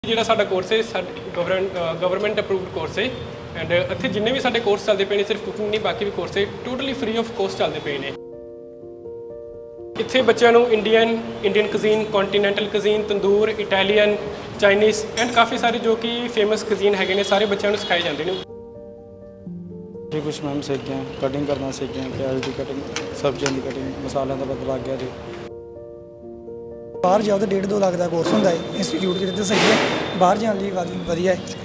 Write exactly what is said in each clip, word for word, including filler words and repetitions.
ਜਿਹੜਾ ਸਾਡਾ ਕੋਰਸ ਹੈ ਸਾਡਾ ਗਵਰਨਮੈਂਟ ਗਵਰਨਮੈਂਟ ਅਪਰੂਵਡ ਕੋਰਸ ਹੈ ਐਂਡ ਇੱਥੇ ਜਿੰਨੇ ਵੀ ਸਾਡੇ ਕੋਰਸ ਚੱਲਦੇ ਪਏ ਨੇ ਸਿਰਫ ਕੁਕਿੰਗ ਨਹੀਂ ਬਾਕੀ ਵੀ ਕੋਰਸ ਹੈ ਟੋਟਲੀ ਫ੍ਰੀ ਆਫ ਕੋਸਟ ਚੱਲਦੇ ਪਏ ਨੇ। ਇੱਥੇ ਬੱਚਿਆਂ ਨੂੰ Indian Indian cuisine continental cuisine tandoor Italian Chinese and ਕਾਫੀ ਸਾਰੇ ਜੋ ਕਿ ਫੇਮਸ ਕੁਜ਼ੀਨ ਹੈਗੇ ਨੇ ਸਾਰੇ ਬੱਚਿਆਂ ਨੂੰ ਸਿਖਾਏ ਜਾਂਦੇ ਨੇ। जी कुछ मैम सीख गए हैं, कटिंग करना सीख गए हैं, प्याज की कटिंग, सब्जियों की कटिंग, मसालों का पता लग गया जी। बाहर जाओ तो डेढ़ दो लाख का कोर्स होंगे इंस्टीट्यूट जो सही है, बाहर जाने लिए वधिया है।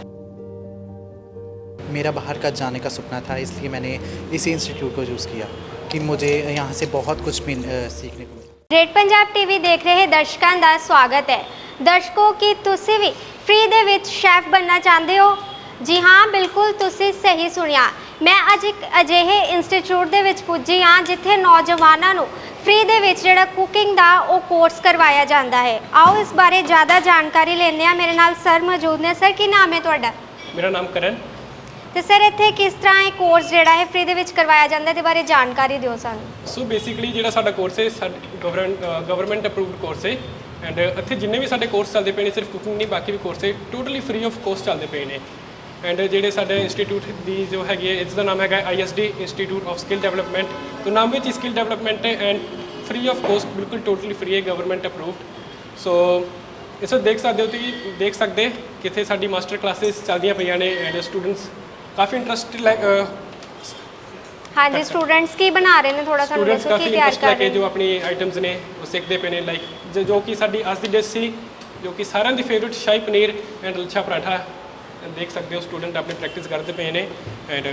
मेरा बाहर का जाने का सपना था, इसलिए मैंने इसी इंस्टीट्यूट को चूज़ किया कि मुझे यहाँ से बहुत कुछ मिल सीखने को मिला। ग्रेट पंजाब टीवी देख रहे दर्शकों का स्वागत है। दर्शकों की तुसी भी फ्री दे विच शैफ बनना चाहते हो? जी हाँ, बिल्कुल तुसी सही सुनिया। मैं अज एक अजिहे इंस्टीट्यूट दे विच पुजी हाँ जिथे नौजवानों नूं फ्री दे विच जिहड़ा कुकिंग दा वो कोर्स करवाया जाता है। आओ इस बारे ज़्यादा जानकारी लेने आ। मेरे नाल सर मौजूद ने। सर की नाम है तुहाडा? मेरा नाम करण। तो सर इत्थे किस तरह ये कोर्स जिहड़ा है फ्री दे विच करवाया जाता है, इहदे बारे जानकारी दिओ सानूं। सो बेसिकली ਜਿਹੜਾ ਸਾਡਾ ਕੋਰਸ ਹੈ ਸਾਡਾ ਗਵਰਨਮੈਂਟ ਗਵਰਨਮੈਂਟ ਅਪਰੂਵਡ ਕੋਰਸ ਹੈ ਐਂਡ ਇੱਥੇ ਜਿੰਨੇ ਵੀ ਸਾਡੇ ਕੋਰਸ ਚੱਲਦੇ ਪਏ ਨੇ ਸਿਰਫ ਕੁਕਿੰਗ ਨਹੀਂ ਬਾਕੀ ਵੀ ਕੋਰਸ ਹੈ ਟੋਟਲੀ ਫ੍ਰੀ ਆਫ ਕੋਸਟ ਚੱਲਦੇ ਪਏ ਨੇ। ਐਂਡ ਜਿਹੜੇ ਸਾਡੇ ਇੰਸਟੀਟਿਊਟ ਦੀ ਜੋ ਹੈਗੀ ਹੈ ਇਸ ਦਾ ਨਾਮ ਹੈਗਾ I S D institute of skill development. तो नाम ਵਿੱਚ ਸਕਿੱਲ ਡਿਵੈਲਪਮੈਂਟ ਹੈ ਐਂਡ ਫ੍ਰੀ ਆਫ ਕੋਸਟ ਬਿਲਕੁਲ ਟੋਟਲੀ ਫ੍ਰੀ ਹੈ ਗਵਰਨਮੈਂਟ ਅਪਰੂਵਡ। ਸੋ ਇਸ ਵਿੱਚ ਦੇਖ ਸਕਦੇ ਹੋ ਤੁਸੀਂ ਦੇਖ ਸਕਦੇ ਕਿੱਥੇ ਸਾਡੀ ਮਾਸਟਰ ਕਲਾਸਿਸ ਚੱਲਦੀਆਂ ਪਈਆਂ ਨੇ ਐਂਡ ਸਟੂਡੈਂਟਸ ਕਾਫੀ ਇੰਟਰਸਟ हाँ जी, स्टूडेंट्स की बना रहे हैं थोड़ा सा स्टूडेंट्स काफ़ी इंटरेस्ट लेके जो अपनी आइटम्स ने वो सीखते पे ने लाइक जो जो कि साडी आज की डिश सी जो कि सारिਆਂ ਦੀ फेवरेट शाही पनीर एंड लच्छा पराठा देख सकते हो स्टूडेंट अपनी प्रैक्टिस करते पे ने एंड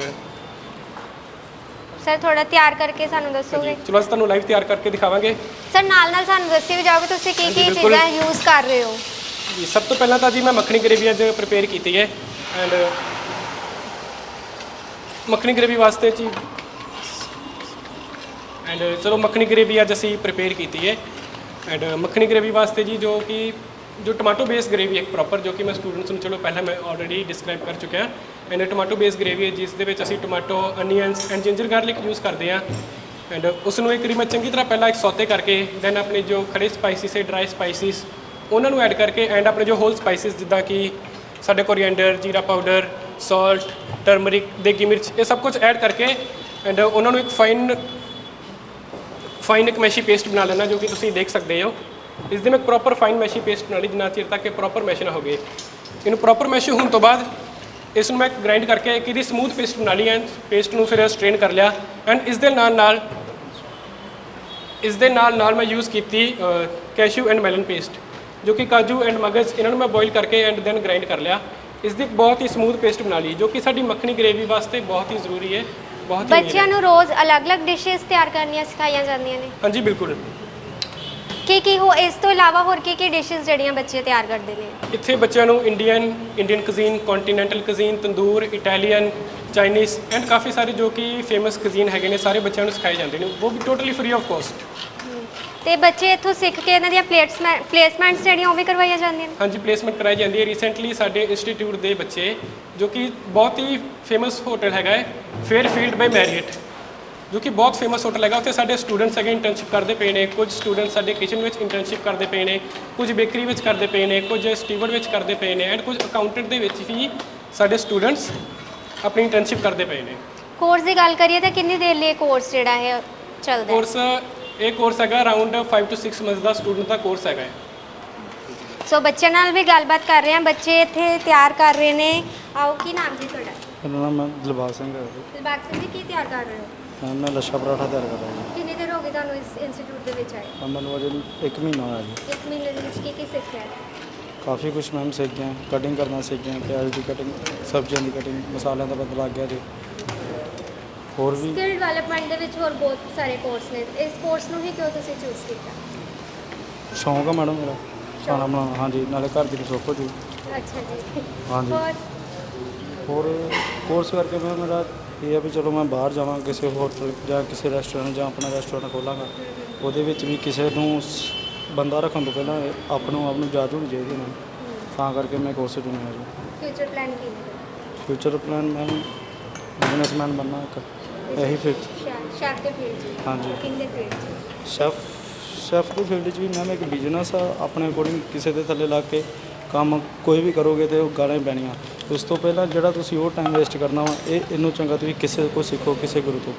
सर थोड़ा तैयार करके सानू दसोगे? चलो अस ਤੁਹਾਨੂੰ ਲਾਈਵ ਤਿਆਰ ਕਰਕੇ ਦਿਖਾਵਾਂਗੇ। सर नाल नाल सानू दस्सी भी जाओगे ਤੁਸੀਂ ਕੀ ਕੀ ਚੀਜ਼ਾਂ ਯੂਜ਼ ਕਰ ਰਹੇ ਹੋ? ਜੀ ਸਭ ਤੋਂ ਪਹਿਲਾਂ ਤਾਂ ਜੀ ਮੈਂ ਮੱਖਣੀ ਗ੍ਰੇਵੀ ਅੱਜ ਪ੍ਰਿਪੇਅਰ ਕੀਤੀ ਹੈ ਐਂਡ ਮੱਖਣੀ ਗ੍ਰੇਵੀ ਵਾਸਤੇ ਜੀ ਐਂਡ ਚਲੋ ਮੱਖਣੀ ਗ੍ਰੇਵੀ ਅੱਜ ਅਸੀਂ ਪ੍ਰਿਪੇਅਰ ਕੀਤੀ ਹੈ ਐਂਡ ਮੱਖਣੀ ਗ੍ਰੇਵੀ ਵਾਸਤੇ ਜੀ ਜੋ ਕਿ ਜੋ ਟਮਾਟੋ ਬੇਸ ਗ੍ਰੇਵੀ ਇੱਕ ਪ੍ਰੋਪਰ ਜੋ ਕਿ ਮੈਂ ਸਟੂਡੈਂਟਸ ਨੂੰ ਚਲੋ ਪਹਿਲਾਂ ਮੈਂ ਆਲਰੇਡੀ ਡਿਸਕ੍ਰਾਈਬ ਕਰ ਚੁੱਕਿਆ ਐਂਡ ਟਮਾਟੋ ਬੇਸ ਗ੍ਰੇਵੀ ਹੈ ਜਿਸ ਦੇ ਵਿੱਚ ਅਸੀਂ tomato onions and ginger garlic use ਕਰਦੇ ਹਾਂ ਐਂਡ ਉਸ ਨੂੰ ਇੱਕ ਵਾਰੀ ਮੈਂ ਚੰਗੀ ਤਰ੍ਹਾਂ ਪਹਿਲਾਂ ਇੱਕ ਸੌਤੇ ਕਰਕੇ ਦੈਨ ਆਪਣੇ ਜੋ ਖੜੇ ਸਪਾਈਸਿਸ ਹੈ ਡਰਾਈ ਸਪਾਈਸਿਸ ਉਹਨਾਂ ਨੂੰ ਐਡ ਕਰਕੇ ਐਂਡ ਆਪਣੇ ਜੋ ਹੋਲ ਸਪਾਈਸਿਸ ਜਿੱਦਾਂ ਕਿ ਸਾਡੇ ਕੋਰੀਐਂਡਰ ਜੀਰਾ ਪਾਊਡਰ ਸੌਲਟ ਟਰਮਰਿਕ ਦੇਗੀ ਮਿਰਚ ਇਹ ਸਭ ਕੁਝ ਐਡ ਕਰਕੇ ਐਂਡ ਉਹਨਾਂ ਨੂੰ ਇੱਕ ਫਾਈਨ ਫਾਈਨ ਇੱਕ ਮੈਸ਼ੀ ਪੇਸਟ ਬਣਾ ਲੈਣਾ ਜੋ ਕਿ ਤੁਸੀਂ ਦੇਖ ਸਕਦੇ ਹੋ। ਇਸ ਦੇ ਮੈਂ ਪ੍ਰੋਪਰ ਫਾਈਨ ਮੈਸ਼ੀ ਪੇਸਟ ਬਣਾ ਲਈ ਜਿੰਨਾ ਚਿਰ ਤੱਕ ਇਹ ਪ੍ਰੋਪਰ ਮੈਸ਼ ਨਾ ਹੋ ਗਏ। ਇਹਨੂੰ ਪ੍ਰੋਪਰ ਮੈਸ਼ ਹੋਣ ਤੋਂ ਬਾਅਦ ਇਸ ਨੂੰ ਮੈਂ ਗ੍ਰਾਈਂਡ ਕਰਕੇ ਇੱਕ ਇਹਦੀ ਸਮੂਥ ਪੇਸਟ ਬਣਾ ਲਈ ਐਂਡ ਪੇਸਟ ਨੂੰ ਫਿਰ ਸਟ੍ਰੇਨ ਕਰ ਲਿਆ ਐਂਡ ਇਸ ਦੇ ਨਾਲ ਨਾਲ ਇਸ ਦੇ ਨਾਲ ਨਾਲ ਮੈਂ ਯੂਜ਼ ਕੀਤੀ ਕੈਸ਼ੂ ਐਂਡ ਮੈਲਨ ਪੇਸਟ ਜੋ ਕਿ ਕਾਜੂ ਐਂਡ ਮਗਜ਼ ਇਹਨਾਂ ਨੂੰ ਮੈਂ ਬੋਇਲ ਕਰਕੇ ਐਂਡ ਦੈਨ ਗ੍ਰਾਈਂਡ ਕਰ ਲਿਆ। ਇਸ ਦੀ ਬਹੁਤ ਹੀ ਸਮੂਥ ਪੇਸਟ ਬਣਾ ਲਈ ਜੋ ਕਿ ਸਾਡੀ ਮੱਖਣੀ ਗ੍ਰੇਵੀ ਵਾਸਤੇ ਬਹੁਤ ਹੀ ਜ਼ਰੂਰੀ ਹੈ। ਬਹੁਤ ਹੀ ਬੱਚਿਆਂ ਨੂੰ ਰੋਜ਼ ਅਲੱਗ-ਅਲੱਗ ਡਿਸ਼ਸ ਤਿਆਰ ਕਰਨੀਆਂ ਸਿਖਾਈਆਂ ਜਾਂਦੀਆਂ ਨੇ? ਹਾਂਜੀ ਬਿਲਕੁਲ। ਕੀ ਕੀ ਹੋ ਇਸ ਤੋਂ ਇਲਾਵਾ ਹੋਰ ਕੀ ਕੀ ਡਿਸ਼ਸ ਜਿਹੜੀਆਂ ਬੱਚੇ ਤਿਆਰ ਕਰਦੇ ਨੇ? ਇੱਥੇ ਬੱਚਿਆਂ ਨੂੰ Indian Indian cuisine continental cuisine tandoor Italian Chinese and ਕਾਫੀ ਸਾਰੇ ਜੋ ਕਿ ਫੇਮਸ ਕੁਜ਼ੀਨ ਹੈਗੇ ਨੇ ਸਾਰੇ ਬੱਚਿਆਂ ਨੂੰ ਸਿਖਾਏ ਜਾਂਦੇ ਨੇ ਉਹ ਵੀ ਟੋਟਲੀ ਫ੍ਰੀ ਆਫ ਕੋਸਟ। ਤੇ ਬੱਚੇ ਇੱਥੋਂ ਸਿੱਖ ਕੇ ਇਹਨਾਂ ਦੀਆਂ ਪਲੇਸਮੈਂਟ ਪਲੇਸਮੈਂਟਸ ਜਿਹੜੀਆਂ ਉਹ ਵੀ ਕਰਵਾਈਆਂ ਜਾਂਦੀਆਂ ਨੇ? ਹਾਂਜੀ ਪਲੇਸਮੈਂਟ ਕਰਾਈ ਜਾਂਦੀ ਹੈ। ਰੀਸੈਂਟਲੀ ਸਾਡੇ ਇੰਸਟੀਟਿਊਟ ਦੇ ਬੱਚੇ ਜੋ ਕਿ ਬਹੁਤ ਹੀ ਫੇਮਸ ਹੋਟਲ ਹੈਗਾ ਹੈ ਫੇਅਰਫੀਲਡ ਬਾਈ ਮੈਰੀਅਟ ਜੋ ਕਿ ਬਹੁਤ ਫੇਮਸ ਹੋਟਲ ਹੈਗਾ ਉੱਥੇ ਸਾਡੇ ਸਟੂਡੈਂਟਸ ਹੈਗੇ ਇੰਟਰਨਸ਼ਿਪ ਕਰਦੇ ਪਏ ਨੇ। ਕੁਝ ਸਟੂਡੈਂਟਸ ਸਾਡੇ ਕਿਚਨ ਵਿੱਚ ਇੰਟਰਨਸ਼ਿਪ ਕਰਦੇ ਪਏ ਨੇ, ਕੁਝ ਬੇਕਰੀ ਵਿੱਚ ਕਰਦੇ ਪਏ ਨੇ, ਕੁਝ ਸਟੀਵਰਡ ਵਿੱਚ ਕਰਦੇ ਪਏ ਨੇ ਐਂਡ ਕੁਝ ਅਕਾਊਂਟੈਂਟ ਦੇ ਵਿੱਚ ਵੀ ਸਾਡੇ ਸਟੂਡੈਂਟਸ ਆਪਣੀ ਇੰਟਰਨਸ਼ਿਪ ਕਰਦੇ ਪਏ ਨੇ। ਕੋਰਸ ਦੀ ਗੱਲ ਕਰੀਏ ਤਾਂ ਕਿੰਨੀ ਦੇਰ ਲਈ ਕੋਰਸ ਜਿਹੜਾ ਹੈ ਚੱਲਦਾ ਹੈ? ਕੋਰਸ ਇਹ ਕੋਰਸ ਹੈਗਾ around five to six months ਦਾ ਸਟੂਡੈਂਟ ਦਾ ਕੋਰਸ ਹੈਗਾ। ਸੋ ਬੱਚਿਆਂ ਨਾਲ ਵੀ ਗੱਲਬਾਤ ਕਰ ਰਹੇ ਹਾਂ। ਬੱਚੇ ਇੱਥੇ ਤਿਆਰ ਕਰ ਰਹੇ ਨੇ। ਆਓ ਕੀ ਨਾਮ ਜੀ ਤੁਹਾਡਾ? मेरा नाम है दिलबाग सिंह है। ਦਿਲਬਾਗ ਸਿੰਘ ਜੀ ਕੀ ਤਿਆਰ ਕਰ ਰਹੇ ਹੋ? मैं मैं लच्छा पराठा तैयार कर रहा हूँ। ਕਿੰਨੀ ਦੇਰ ਹੋ ਗਈ ਤੁਹਾਨੂੰ ਇਸ ਇੰਸਟੀਚਿਊਟ ਦੇ ਵਿੱਚ ਆਏ? अब मैंने अजे एक महीना होया जी। ਇੱਕ ਮਹੀਨੇ ਦੇ ਵਿੱਚ ਕੀ ਕੀ ਸਿੱਖਿਆ? काफ़ी कुछ मैम सीख गए हैं, कटिंग करना सीख गए हैं, प्याज की कटिंग, सब्जियों की कटिंग, मसालों का पता लग गया जी। और भी ਸਕਿੱਲ ਡਿਵੈਲਪਮੈਂਟ ਦੇ ਵਿੱਚ ਹੋਰ ਬਹੁਤ ਸਾਰੇ ਕੋਰਸ ਨੇ। ਇਸ ਕੋਰਸ ਨੂੰ ਹੀ ਕਿਉਂ ਤੁਸੀਂ ਚੂਜ਼ ਕੀਤਾ? शौक है मैडम मेरा खाना बनाना। हाँ जी, नाले घर की रसोई हो जी। ਅੱਛਾ ਜੀ। हाँ जी। ਹੋਰ और कोर्स करके मैं मेरा ये है भी चलो मैं बाहर जावां किसी होटल ਜਾਂ ਕਿਸੇ ਰੈਸਟੋਰੈਂਟ ਜਾਂ ਆਪਣਾ ਰੈਸਟੋਰੈਂਟ ਖੋਲਾਂਗਾ ਉਹਦੇ ਵਿੱਚ ਵੀ ਕਿਸੇ ਨੂੰ ਸ- ਬੰਦਾ ਰੱਖਣ ਤੋਂ ਪਹਿਲਾਂ ਆਪ ਨੂੰ ਆਪ ਨੂੰ ਜਾਚ ਹੋਣੀ ਚਾਹੀਦੀ ਨਾ ਤਾਂ ਕਰਕੇ ਮੈਂ ਕੋਰਸ ਚੁਣਿਆ ਜੀ। ਫਿਊਚਰ ਪਲਾਨ ਕੀ ਹੈ? ਫਿਊਚਰ ਪਲਾਨ ਮੈਂ ਬਿਜ਼ਨਸਮੈਨ ਬਣਨਾ ਇੱਕ ਇਹੀ ਫਿਟ ਸ਼ੈਫ ਦੇ ਫੀਲਡ 'ਚ? ਹਾਂਜੀ। ਕੁਕਿੰਗ ਦੇ ਫੀਲਡ 'ਚ? ਸ਼ੈਫ ਸ਼ੈਫ ਦੀ ਫੀਲਡ 'ਚ ਵੀ ਮੈਂ ਇੱਕ ਬਿਜ਼ਨਸ ਆ ਆਪਣੇ ਅਕੋਰਡਿੰਗ ਕਿਸੇ ਦੇ ਥੱਲੇ ਲੱਗ ਕੇ ਕੰਮ ਕੋਈ ਵੀ ਕਰੋਗੇ ਤੇ ਉਹ ਗਾਲਾਂ ਹੀ ਪੈਣੀਆਂ। ਉਸ ਤੋਂ ਪਹਿਲਾਂ ਜਿਹੜਾ ਤੁਸੀਂ ਉਹ ਟਾਈਮ ਵੇਸਟ ਕਰਨਾ ਵਾ, ਇਹ ਇਹਨੂੰ ਚੰਗਾ ਤੁਸੀਂ ਕਿਸੇ ਕੋਲ ਸਿੱਖੋ, ਕਿਸੇ ਗੁਰੂ ਤੋਂ।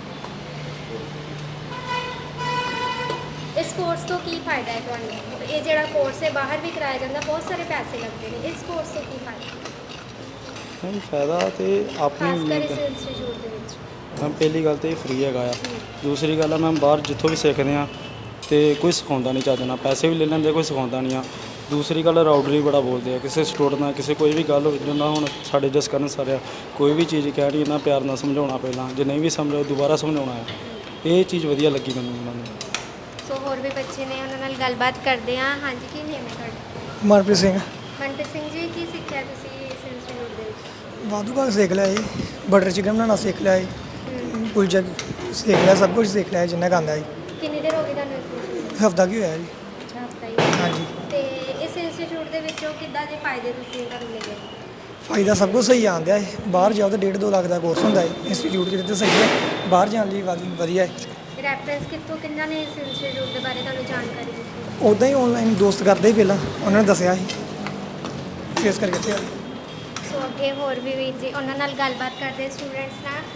ਇਸ ਕੋਰਸ ਤੋਂ ਕੀ ਫਾਇਦਾ ਹੈ ਤੁਹਾਨੂੰ? ਇਹ ਜਿਹੜਾ ਕੋਰਸ ਹੈ ਬਾਹਰ ਵੀ ਕਰਾਇਆ ਜਾਂਦਾ, ਬਹੁਤ ਸਾਰੇ ਪੈਸੇ ਲੱਗਦੇ ਨੇ, ਇਸ ਕੋਰਸ ਤੋਂ ਕੀ ਫਾਇਦਾ ਨਹੀਂ, ਫਾਇਦਾ ਤੇ ਆਪਣੀ ਖਾਸ ਕਰ ਮਿਹਨਤ। ਇਸ ਇੰਸਟੀਚਿਊਟ ਦੇ ਵਿੱਚ? ਮੈਮ ਪਹਿਲੀ ਗੱਲ ਤਾਂ ਇਹ ਫ੍ਰੀ ਹੈਗਾ ਆ। ਦੂਸਰੀ ਗੱਲ ਆ ਮੈਮ ਬਾਹਰ ਜਿੱਥੋਂ ਵੀ ਸਿੱਖਦੇ ਆ ਤੇ ਕੋਈ ਸਿਖਾਉਂਦਾ ਨਹੀਂ ਚੱਜ ਨਾਲ, ਪੈਸੇ ਵੀ ਲੈ ਲੈਂਦੇ, ਕੋਈ ਸਿਖਾਉਂਦਾ ਨਹੀਂ ਆ। ਦੂਸਰੀ ਗੱਲ ਰਾਊਡਰੀ ਬੜਾ ਬੋਲਦੇ ਆ, ਕਿਸੇ ਸਟੂਡੈਂਟ ਨਾਲ ਕਿਸੇ ਕੋਈ ਵੀ ਗੱਲ ਹੋਵੇ, ਜਿੰਨਾ ਹੁਣ ਸਾਡੇ ਜਸ ਕਰਨ ਸਾਰੇ ਕੋਈ ਵੀ ਚੀਜ਼ ਕਹਿਣੀ ਇਹਨਾਂ ਪਿਆਰ ਨਾਲ ਸਮਝਾਉਣਾ, ਪਹਿਲਾਂ ਜੇ ਨਹੀਂ ਵੀ ਸਮਝੋ ਦੁਬਾਰਾ ਸਮਝਾਉਣਾ ਆ। ਇਹ ਚੀਜ਼ ਵਧੀਆ ਲੱਗੀ ਮੈਨੂੰ ਉਹਨਾਂ ਨੂੰ। ਸੋ ਹੋਰ ਵੀ ਬੱਚੇ ਨੇ, ਉਹਨਾਂ ਨਾਲ ਗੱਲਬਾਤ ਕਰਦੇ ਹਾਂ। ਹਾਂਜੀ, ਕੀ ਨੇਮ ਹੈ ਤੁਹਾਡਾ? ਮਨਪ੍ਰੀਤ ਸਿੰਘ। ਮਨਪ੍ਰੀਤ ਸਿੰਘ ਜੀ, ਕੀ ਸਿੱਖਿਆ ਤੁਸੀਂ ਇਸ ਇੰਸਟੀਚਿਊਟ ਦੇ ਵਿੱਚ? ਵਾਧੂ ਕਾਲ ਸਿੱਖ ਲਿਆ ਜੀ, ਬਟਰ ਚਿਕਨ ਬਣਾਉਣਾ ਸਿੱਖ ਲਿਆ ਜੀ, ਕੁਲਚਾ ਸਿੱਖ ਲਿਆ, ਸਭ ਕੁਝ ਸਿੱਖ ਲਿਆ ਜਿੰਨਾ ਕੁ ਆਉਂਦਾ ਜੀ। ਕਿੰਨੀ ਦੇਰ ਹੋ ਗਈ ਤੁਹਾਨੂੰ ਇਸ ਇੰਸਟੀਚਿਊਟ? ਹਫਤਾ ਕੀ ਹੋਇਆ ਜੀ। ਅੱਛਾ, ਹਫਤਾ ਹੀ। ਹਾਂਜੀ, ਤੇ ਇਸ ਇੰਸਟੀਚਿਊਟ ਦੇ ਵਿੱਚੋਂ ਕਿੱਦਾਂ ਦੇ ਫਾਇਦੇ ਤੁਸੀਂ ਤੁਹਾਨੂੰ ਮਿਲੇ? ਫਾਇਦਾ ਸਭ ਕੁਝ ਸਹੀ ਆਉਂਦਾ ਹੈ। ਬਾਹਰ ਜਾਓ ਤਾਂ ਡੇਢ ਦੋ ਲੱਖ ਦਾ ਕੋਰਸ ਹੁੰਦਾ ਹੈ। ਇੰਸਟੀਚਿਊਟ ਜਿਹੜੇ ਤੇ ਸਹੀ ਹੈ, ਬਾਹਰ ਜਾਣ ਲਈ ਵਧ- ਵਧੀਆ ਹੈ। ਰੈਫਰੈਂਸ ਕਿੱਥੋਂ, ਕਿੰਨਾ ਨੇ ਇਸ ਇੰਸਟੀਚਿਊਟ ਦੇ ਬਾਰੇ ਤੁਹਾਨੂੰ ਜਾਣਕਾਰੀ ਦਿੱਤੀ? ਉੱਦਾਂ ਹੀ ਆਨਲਾਈਨ ਦੋਸਤ ਕਰਦੇ ਹੀ ਪਹਿਲਾਂ, ਉਹਨਾਂ ਨੇ ਦੱਸਿਆ ਸੀ, ਫੇਸ ਕਰਕੇ ਇੱਥੇ ਆ ਗਏ। ਸੋ ਅੱਗੇ ਹੋਰ ਵੀ ਵੀਰ ਜੀ, ਉਹਨਾਂ ਨਾਲ ਗੱਲਬਾਤ ਕਰਦੇ ਸਟੂਡੈਂਟਸ ਨਾਲ।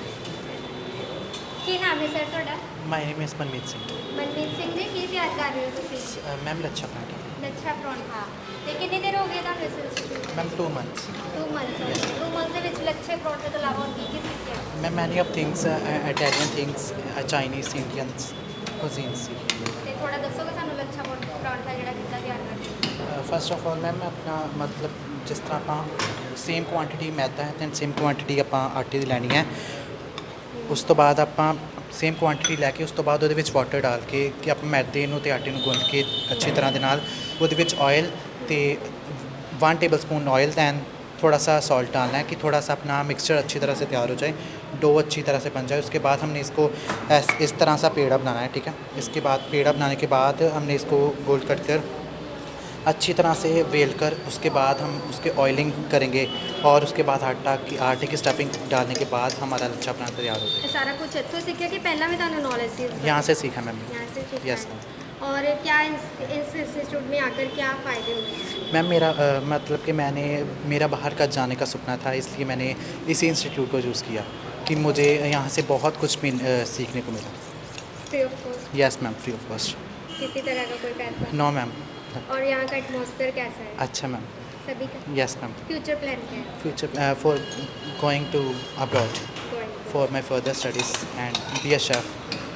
ਕੀ ਨਾਮ ਹੈ ਸਰ ਤੁਹਾਡਾ? My name is Manmeet Singh. Mandeep Singh ji, ਕੀ ਤਿਆਰ ਕਰ ਰਹੇ ਹੋ ਤੁਸੀਂ? मैम लच्छा पराठा। ਲੱਛਾ ਪਰੌਂਠਾ। ਤੇ ਕਿੰਨੀ ਦੇਰ ਹੋ ਗਈ ਤੁਹਾਨੂੰ ਇਸ institute? Ma'am two months. Two months. Two months ਦੇ ਵਿੱਚ ਲੱਛੇ ਪਰੌਂਠੇ ਤੋਂ ਇਲਾਵਾ ਹੋਰ ਕੀ ਕੀ ਸਿੱਖਿਆ? Ma'am many of things Italian things, Chinese, Indians cuisines. ਤੇ ਥੋੜਾ ਦੱਸੋਗੇ ਸਾਨੂੰ ਲੱਛਾ ਪਰੌਂ- ਪਰੌਂਠਾ ਜਿਹੜਾ ਕਿੱਦਾਂ ਤਿਆਰ ਕਰਦੇ? फस्ट ऑफ ऑल मैम अपना मतलब जिस तरह ਆਪਾਂ ਸੇਮ ਕੁਆਂਟੀਟੀ ਮੈਦਾ ਹੈ ਤੇ ਸੇਮ ਕੁਆਂਟੀਟੀ ਆਪਾਂ ਆਟੇ ਦੀ ਲੈਣੀ ਹੈ। ਉਸ ਤੋਂ ਬਾਅਦ ਆਪਾਂ ਸੇਮ ਕੁਆਂਟੀਟੀ ਲੈ ਕੇ ਉਸ ਤੋਂ ਬਾਅਦ ਉਹਦੇ ਵਿੱਚ ਵਾਟਰ ਡਾਲ ਕੇ ਕਿ ਆਪਾਂ ਮੈਦੇ ਨੂੰ ਤੇ ਆਟੇ ਨੂੰ ਗੁੰਨ ਕੇ ਅੱਛੀ ਤਰ੍ਹਾਂ ਦੇ ਨਾਲ ਉਹਦੇ ਵਿੱਚ ऑयल ਤੇ one tablespoon oil then थोड़ा सा सॉल्ट डालना है कि थोड़ा सा अपना मिक्सचर अच्छी तरह से तैयार हो जाए, डो अच्छी तरह से बन जाए। उसके बाद हमने इसको ऐस इस तरह सा पेड़ा बनाना है, ठीक है। इसके बाद पेड़ा बनाने के बाद हमने इसको गोल कट कर अच्छी तरह से वेल कर उसके बाद हम उसके ऑयलिंग करेंगे और उसके बाद आटा की आटे की स्टफिंग डालने के बाद हमारा लच्छा पराठा तैयार हो ਇਹ ਸਾਰਾ ਕੁਝ ਇੱਥੋਂ ਸਿੱਖਿਆ ਕਿ ਪਹਿਲਾਂ ਵੀ ਤੁਹਾਨੂੰ ਨੌਲੇज ਸੀ? जाए। यहाँ से सीखा मैम। यहाँ से सीखा यस है। मैम। और क्या इस इस इंस्टीट्यूट में आकर क्या फ़ायदे हुए? मैम मेरा अ, मतलब कि मैंने मेरा बाहर का जाने का सपना था, इसलिए मैंने इसी इंस्टीट्यूट को चूज़ किया कि मुझे यहाँ से बहुत कुछ मिल- अ, सीखने को मिला। Free of cost? Yes ma'am, free of cost. किसी तरह का कोई पैसा? No ma'am. और यहाँ का एटमॉस्फेयर कैसा है? अच्छा मैम। सभी का? Yes ma'am. फ्यूचर प्लान क्या है? Future for going to abroad Going to? For my further studies and be a chef.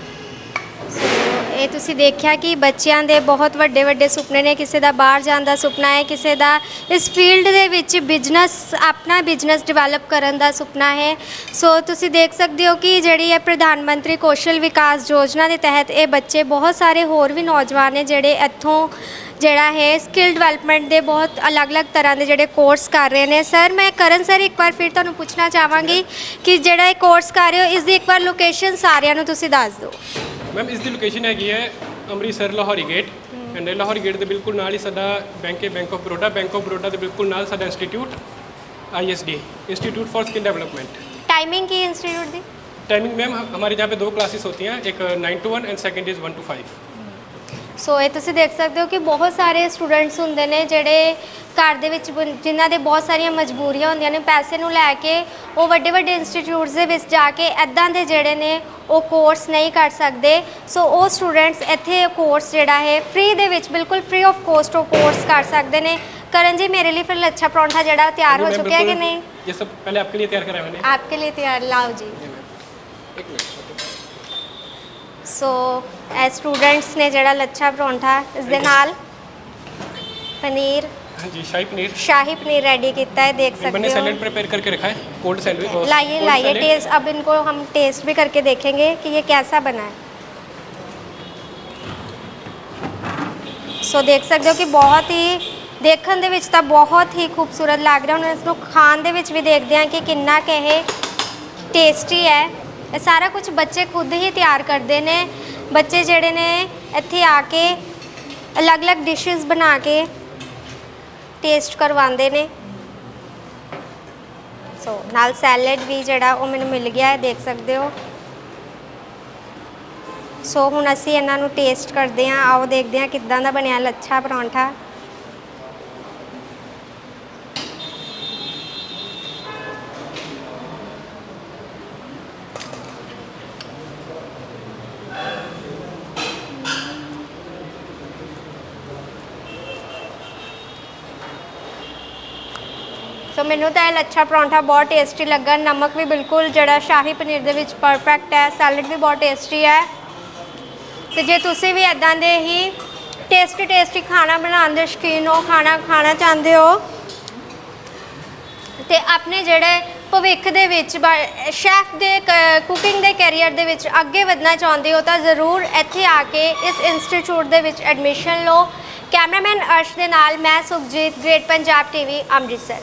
So ਇਹ ਤੁਸੀਂ ਦੇਖਿਆ ਕਿ ਬੱਚਿਆਂ ਦੇ ਬਹੁਤ ਵੱਡੇ ਵੱਡੇ ਸੁਪਨੇ ਨੇ। ਕਿਸੇ ਦਾ ਬਾਹਰ ਜਾਣ ਦਾ ਸੁਪਨਾ ਹੈ, ਕਿਸੇ ਦਾ ਇਸ ਫੀਲਡ ਦੇ ਵਿੱਚ ਬਿਜ਼ਨਸ, ਆਪਣਾ ਬਿਜ਼ਨਸ ਡਿਵੈਲਪ ਕਰਨ ਦਾ ਸੁਪਨਾ ਹੈ। ਸੋ ਤੁਸੀਂ ਦੇਖ ਸਕਦੇ ਹੋ ਕਿ ਜਿਹੜੀ ਹੈ ਪ੍ਰਧਾਨ ਮੰਤਰੀ ਕੌਸ਼ਲ ਵਿਕਾਸ ਯੋਜਨਾ ਦੇ ਤਹਿਤ ਇਹ ਬੱਚੇ, ਬਹੁਤ ਸਾਰੇ ਹੋਰ ਵੀ ਨੌਜਵਾਨ ਨੇ ਜਿਹੜੇ ਇੱਥੋਂ ਜਿਹੜਾ ਹੈ ਸਕਿੱਲ ਡਿਵੈਲਪਮੈਂਟ ਦੇ ਬਹੁਤ ਅਲੱਗ-ਅਲੱਗ ਤਰ੍ਹਾਂ ਦੇ ਜਿਹੜੇ ਕੋਰਸ ਕਰ ਰਹੇ ਨੇ। ਸਰ, ਮੈਂ ਕਰਨ ਸਰ ਇੱਕ ਵਾਰ ਫਿਰ ਤੁਹਾਨੂੰ ਪੁੱਛਣਾ ਚਾਹਾਂਗੀ ਕਿ ਜਿਹੜਾ ਇਹ ਕੋਰਸ ਕਰ ਰਹੇ ਹੋ, ਇਸ ਦੀ ਇੱਕ ਵਾਰ ਲੋਕੇਸ਼ਨ ਸਾਰਿਆਂ ਨੂੰ ਤੁਸੀਂ ਦੱਸ ਦਿਓ। ਮੈਮ ਇਸ ਦੀ ਲੋਕੇਸ਼ਨ ਹੈਗੀ ਹੈ Amritsar Lahori Gate, and Lahori Gate ਦੇ ਬਿਲਕੁਲ ਨਾਲ ਹੀ ਸਾਡਾ ਬੈਂਕ ਹੈ, Bank of Baroda. Bank of Baroda ਦੇ ਬਿਲਕੁਲ ਨਾਲ ਸਾਡਾ institute I S D, institute for skill development. Timing की इंस्टीट्यूट दी? टाइमिंग मैम हमारे यहाँ पे दो क्लासेस होती हैं, एक nine to one and second is one to five. So ਇਹ ਤੁਸੀਂ ਦੇਖ ਸਕਦੇ ਹੋ ਕਿ ਬਹੁਤ ਸਾਰੇ ਸਟੂਡੈਂਟਸ ਹੁੰਦੇ ਨੇ ਜਿਹੜੇ ਘਰ ਦੇ ਵਿੱਚ ਬੰ- ਜਿਨ੍ਹਾਂ ਦੇ ਬਹੁਤ ਸਾਰੀਆਂ ਮਜਬੂਰੀਆਂ ਹੁੰਦੀਆਂ ਨੇ, ਪੈਸੇ ਨੂੰ ਲੈ ਕੇ ਉਹ ਵੱਡੇ ਵੱਡੇ ਇੰਸਟੀਚਿਊਟਸ ਦੇ ਵਿੱਚ ਜਾ ਕੇ ਇੱਦਾਂ ਦੇ ਜਿਹੜੇ ਨੇ ਉਹ ਕੋਰਸ ਨਹੀਂ ਕਰ ਸਕਦੇ। ਸੋ ਉਹ ਸਟੂਡੈਂਟਸ ਇੱਥੇ ਕੋਰਸ ਜਿਹੜਾ ਹੈ ਫ੍ਰੀ ਦੇ ਵਿੱਚ, ਬਿਲਕੁਲ ਫ੍ਰੀ ਆਫ ਕੋਸਟ ਉਹ ਕੋर्स कर सकते हैं। करण जी, मेरे लिए फिर लच्छा परांठा जड़ा तैयार हो मैम, चुका है कि बिल्कुल। नहीं? ये सब पहले आपके लिए तैयार करा है मैंने। आपके लिए तैयार, लाओ जी। एक मिनट। सो ए स्टूडेंट्स ने जड़ा लच्छा परांठा इस दे नाल पनीर, हाँ जी, शाही पनीर शाही पनीर रेडी किया है, देख मैंने सकते सैलेड हो। प्रिपेयर करके रखा है, कोल्ड सैंडविच। लाइए लाइए टेस्ट, अब इनको हम टेस्ट भी करके देखेंगे कि ये कैसा बना है। सो देख सकते हो कि बहुत ही देखने ਦੇ ਵਿੱਚ ਤਾਂ ਬਹੁਤ ਹੀ ਖੂਬਸੂਰਤ ਲੱਗ ਰਿਹਾ। ਹੁਣ ਇਸ ਨੂੰ ਖਾਣ ਦੇ ਵਿੱਚ ਵੀ ਦੇਖਦੇ ਹਾਂ ਕਿ ਕਿੰਨਾ ਕੁ ਇਹ ਟੇਸਟੀ ਹੈ। ਇਹ ਸਾਰਾ ਕੁਝ ਬੱਚੇ ਖੁਦ ਹੀ ਤਿਆਰ ਕਰਦੇ ਨੇ। ਬੱਚੇ ਜਿਹੜੇ ਨੇ ਇੱਥੇ ਆ ਕੇ ਅਲੱਗ-ਅਲੱਗ ਡਿਸ਼ਸ ਬਣਾ ਕੇ ਟੇਸਟ ਕਰਵਾਉਂਦੇ ਨੇ। ਸੋ ਨਾਲ ਸੈਲਡ ਵੀ ਜਿਹੜਾ ਉਹ ਮੈਨੂੰ ਮਿਲ ਗਿਆ ਹੈ, ਦੇਖ ਸਕਦੇ ਹੋ। ਸੋ ਹੁਣ ਅਸੀਂ ਇਹਨਾਂ ਨੂੰ ਟੇਸਟ ਕਰਦੇ ਹਾਂ। ਆਓ ਦੇਖਦੇ ਹਾਂ ਕਿੱਦਾਂ ਦਾ ਬਣਿਆ ਲੱਛਾ ਪਰੌਂਠਾ। ਸੋ ਮੈਨੂੰ ਤਾਂ ਇਹ ਲੱਛਾ ਪਰੌਂਠਾ ਬਹੁਤ ਟੇਸਟੀ ਲੱਗਾ। ਨਮਕ ਵੀ ਬਿਲਕੁਲ ਜਿਹੜਾ ਸ਼ਾਹੀ ਪਨੀਰ ਦੇ ਵਿੱਚ ਪਰਫੈਕਟ ਹੈ। ਸੈਲਡ ਵੀ ਬਹੁਤ ਟੇਸਟੀ ਹੈ। ਤੇ ਜੇ ਤੁਸੀਂ ਵੀ ਇਦਾਂ ਦੇ ਹੀ ਟੇਸਟੀ ਟੇਸਟੀ ਖਾਣਾ ਬਣਾਉਣ ਦੇ ਸ਼ੌਕੀਨ ਹੋ, ਖਾਣਾ ਖਾਣਾ ਚਾਹੁੰਦੇ ਹੋ ਤੇ ਆਪਣੇ ਜਿਹੜੇ ਭਵਿੱਖ ਦੇ ਵਿੱਚ ਸ਼ੈਫ ਦੇ ਕੁਕਿੰਗ ਦੇ ਕੈਰੀਅਰ ਦੇ ਵਿੱਚ ਅੱਗੇ ਵਧਣਾ ਚਾਹੁੰਦੇ ਹੋ ਤਾਂ ਜ਼ਰੂਰ ਇੱਥੇ ਆ ਕੇ ਇਸ ਇੰਸਟੀਚਿਊਟ ਦੇ ਵਿੱਚ ਐਡਮਿਸ਼ਨ ਲਓ। ਕੈਮਰਾਮੈਨ ਅਰਸ਼ ਦੇ ਨਾਲ ਮੈਂ ਸੁਖਜੀਤ, ਗ੍ਰੇਟ ਪੰਜਾਬ ਟੀਵੀ ਅੰਮ੍ਰਿਤਸਰ।